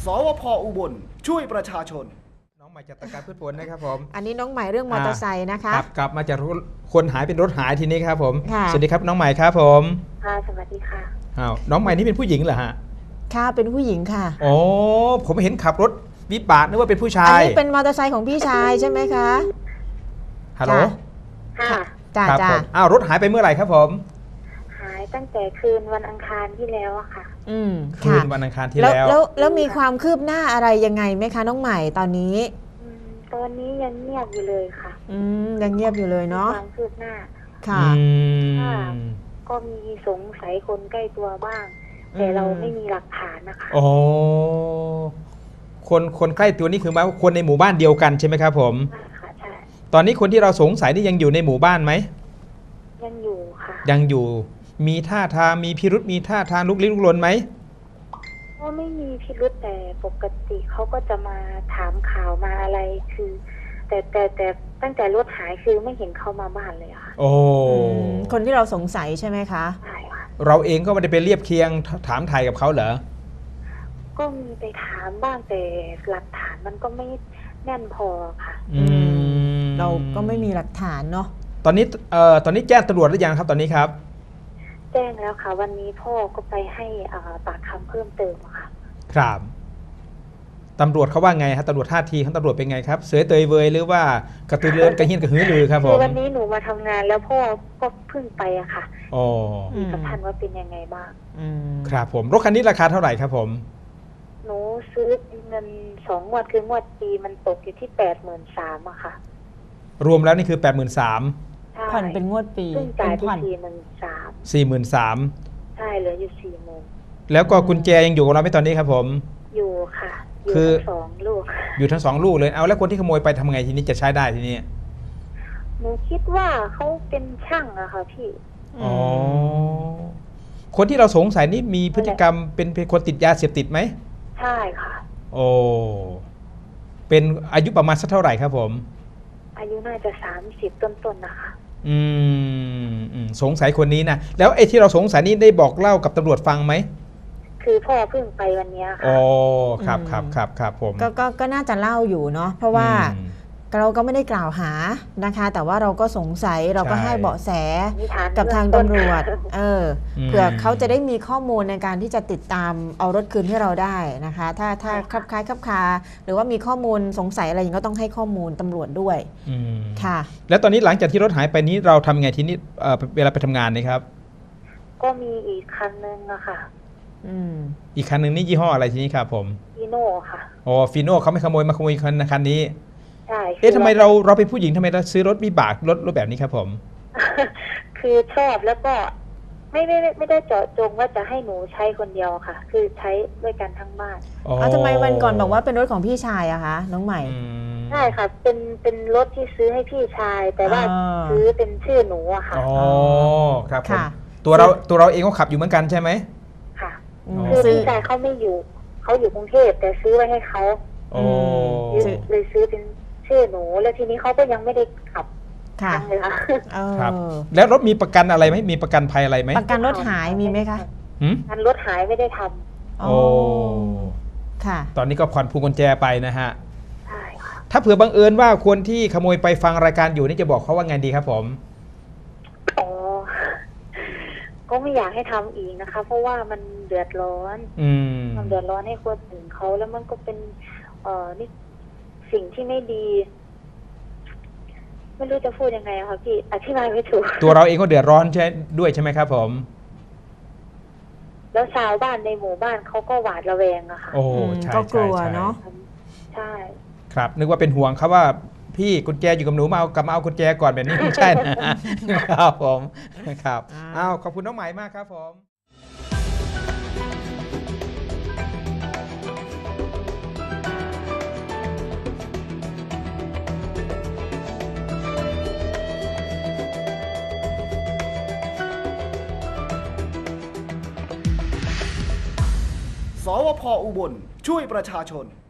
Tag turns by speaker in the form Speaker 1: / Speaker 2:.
Speaker 1: สวพ.อุบลช่วยประชาชน
Speaker 2: น้องใหม่จากตะการพืชผลนะครับผม
Speaker 3: อันนี้น้องใหม่เรื่องมอเตอร์ไซค์นะคะ
Speaker 2: กลับมาจากคนหายเป็นรถหายทีนี้ครับผม
Speaker 3: ค่ะ
Speaker 2: สวัสดีครับน้องใหม่ครับผม
Speaker 4: ค่ะสวัสดีค่ะ
Speaker 2: น้องใหม่นี่เป็นผู้หญิงเหรอฮะ
Speaker 3: ค่ะเป็นผู้หญิงค่ะ
Speaker 2: โอ้ผมเห็นขับรถวิบากนึกว่าเป็นผู้ชา
Speaker 3: อัน
Speaker 2: ย
Speaker 3: นี้เป็นมอเตอร์ไซค์ของพี่ชายใช่ไหมคะ
Speaker 2: ฮัลโหล
Speaker 4: ค่ะ
Speaker 3: จ้า
Speaker 2: ครับ
Speaker 3: จ้า
Speaker 2: ผมรถหายไปเมื่อไหร่ครับผม
Speaker 4: หายตั้งแต่คืนวันอังคารที่แล้วอะค่ะ
Speaker 2: คืน
Speaker 3: ค่ะ
Speaker 2: วันอังคารที่
Speaker 3: แล้วมีความคืบหน้าอะไรยังไงไหมคะน้องใหม่ตอนนี้
Speaker 4: ตอนนี้ยังเงียบอยู่เลยค่ะ
Speaker 3: ยังเงียบอยู่เลยเนาะ
Speaker 4: ความคืบหน้า
Speaker 3: ค่ะ
Speaker 4: ก็มีสงสัยคนใกล้ตัวบ้าง แต่เราไม่มีหลักฐานนะคะ
Speaker 2: โอ้คนใกล้ตัวนี่คือหมายว่าคนในหมู่บ้านเดียวกันใช่ไหมครับผม
Speaker 4: ใช่ค่ะใช่
Speaker 2: ตอนนี้คนที่เราสงสัยนี่ยังอยู่ในหมู่บ้านไหม
Speaker 4: ยังอยู่ค่ะ
Speaker 2: ยังอยู่มีท่าทางมีพิรุษมีท่าทางลุกลี้ลุกลนไหม
Speaker 4: ก็ไม่มีพิรุธแต่ปกติเขาก็จะมาถามข่าวมาอะไรคือ แต่ตั้งแต่รถหายคือไม่เห็นเขามาบ้านเลยค่ะ
Speaker 2: โอ้
Speaker 3: คนที่เราสงสัยใช่ไหมคะ
Speaker 4: ใช่ค่ะ
Speaker 2: เราเองก็ไม่ได้ไปเรียบเคียงถามไทยกับเขาเหรอ
Speaker 4: ก็มีไปถามบ้างแต่หลักฐานมันก็ไม่แน่นพอค่ะ
Speaker 3: เราก็ไม่มีหลักฐานเนาะ
Speaker 2: ตอนนี้แจ้งตำรวจหรือยังครับตอนนี้ครับ
Speaker 4: แจ้งแล้วค่ะวันนี้พ่อก็ไปให้ปากคำเพิ่มเติมค่ะ
Speaker 2: ครับตำรวจเขาว่าไงฮะตำรวจท่าทีของตำรวจเป็นไงครับเสือเตยเวยหรือว่ากระตือรือร้นกระเฮียนกระหือรือครับผม
Speaker 4: วันนี้หนูมาทำงานแล้วพ่อก็เพิ่งไปอะค่ะกับท่านว่าเป็นยังไงบ้าง
Speaker 2: ครับผมรถคันนี้ราคาเท่าไหร่ครับผม
Speaker 4: หนูซื้อเงิน2 งวดคืองวดปีมันตกอยู่ที่83,000อะค่ะ
Speaker 2: รวมแล้วนี่คือ 83,000
Speaker 3: ผ่อนเป็นงวดปี
Speaker 4: ซึ่งจ่ายที่
Speaker 2: 43,000
Speaker 4: ใช่เหลืออยู่40,000
Speaker 2: แล้วก็กุญแจยังอยู่กับเราไหมตอนนี้ครับผม
Speaker 4: อยู่ค่ะอยู่ทั้ง2 ลูก
Speaker 2: อยู่ทั้ง2 ลูกเลยเอาแล้วคนที่ขโมยไปทำไงทีนี้จะใช้ได้ทีนี้
Speaker 4: หนูคิดว่าเขาเป็นช่างอะค่ะพี่
Speaker 2: อ๋อคนที่เราสงสัยนี่มีพฤติกรรมเป็นคนติดยาเสพติดไหม
Speaker 4: ใช่ค่ะ
Speaker 2: โอ้เป็นอายุประมาณสักเท่าไหร่ครับผม
Speaker 4: อายุน่าจะ30ต้นๆนะคะ
Speaker 2: สงสัยคนนี้นะแล้วไอ้ที่เราสงสัยนี่ได้บอกเล่ากับตำรวจฟังไหม
Speaker 4: คือพ่อเพิ่งไปวันนี้ค่ะ
Speaker 2: อ๋อครับผม
Speaker 3: ก็น่าจะเล่าอยู่เนาะเพราะว่าเราก็ไม่ได้กล่าวหานะคะแต่ว่าเราก็สงสัยเราก็ให้เบาะแสกับทางตำรวจเผื่อเขาจะได้มีข้อมูลในการที่จะติดตามเอารถคืนให้เราได้นะคะถ้าคับคล้ายคับคาหรือว่ามีข้อมูลสงสัยอะไรอย่างก็ต้องให้ข้อมูลตำรวจด้วยค่ะ
Speaker 2: แล้วตอนนี้หลังจากที่รถหายไปนี้เราทำไงทีนี้เวลาไปทำงานนี่ครับ
Speaker 4: ก็มีอีกคันนึงอะค่ะ
Speaker 2: อีกคันนึงนี่ยี่ห้ออะไรทีนี้ครับผม
Speaker 4: ฟีโน่ค่ะ
Speaker 2: อ๋อฟีโน่เขาไม่ขโมยมาขโมยคันนี้
Speaker 4: ใช่
Speaker 2: ทำไมเราเป็นผู้หญิงทำไมเราซื้อรถวิบากรถแบบนี้ครับผม
Speaker 4: คือชอบแล้วก็ไม่ได้เจาะจงว่าจะให้หนูใช้คนเดียวค่ะ คือใช้ด้วยกันทั้งบ้าน
Speaker 3: ทำไมวันก่อนบอกว่าเป็นรถของพี่ชายอะคะน้องใหม่
Speaker 4: ใช่ค่ะเป็นรถที่ซื้อให้พี่ชายแต่ว่าซื้อเป็นชื่อหนูอะค่ะ
Speaker 2: อ๋อครับผมตัวเราเองก็ขับอยู่เหมือนกันใช่ไหม
Speaker 4: ค่ะคือพี่ชายเขาไม่อยู่เขาอยู่กรุงเทพแต่ซื้อไว้ให้เขาเลยซื้อเป็นชื่อหนูแล้วทีนี้เขาก็ยังไม่ได้ขับทางเลยค่ะ
Speaker 2: ครับแล้วรถมีประกันอะไรไหมมีประกันภัยอะไรไหม
Speaker 3: ประกันรถหายมีไหมคะ
Speaker 4: ประกันรถหายไม่ได้ทำ
Speaker 2: โอ้
Speaker 3: ค่ะ
Speaker 2: ตอนนี้ก็ผ่อนพวงกุญแจไปนะฮะ
Speaker 4: ใช่ค่ะ
Speaker 2: ถ้าเผื่อบังเอิญว่าคนที่ขโมยไปฟังรายการอยู่นี่จะบอกเขาว่าไงดีครับผม
Speaker 4: ก็ไม่อยากให้ทำอีกนะคะเพราะว่ามันเดือดร้อนมันเดือดร้อนให้คนอื่นเขาแล้วมันก็เป็นนี่สิ่งที่ไม่ดีไม่รู้จะพูดยังไงอะค่ะพี่อธิบายไม่ถูก
Speaker 2: ตัวเราเองก็เดือดร้อนใช่ด้วยใช่ไหมครับผม
Speaker 4: แล้วชาวบ้านในหมู่บ้านเขาก็หวาดระแวงอะค่ะ
Speaker 2: โอ้ใช่
Speaker 3: ก็กลัวเนาะ
Speaker 4: ใช่
Speaker 2: ครับนึกว่าเป็นห่วงครับว่าพี่กุญแจอยู่กับหนูมาเอากุญแจก่อนแบบนี้ไม่ใช่นะครับผมครับขอบคุณน้องใหม่มากครับผม
Speaker 1: สวพ.อุบลช่วยประชาชน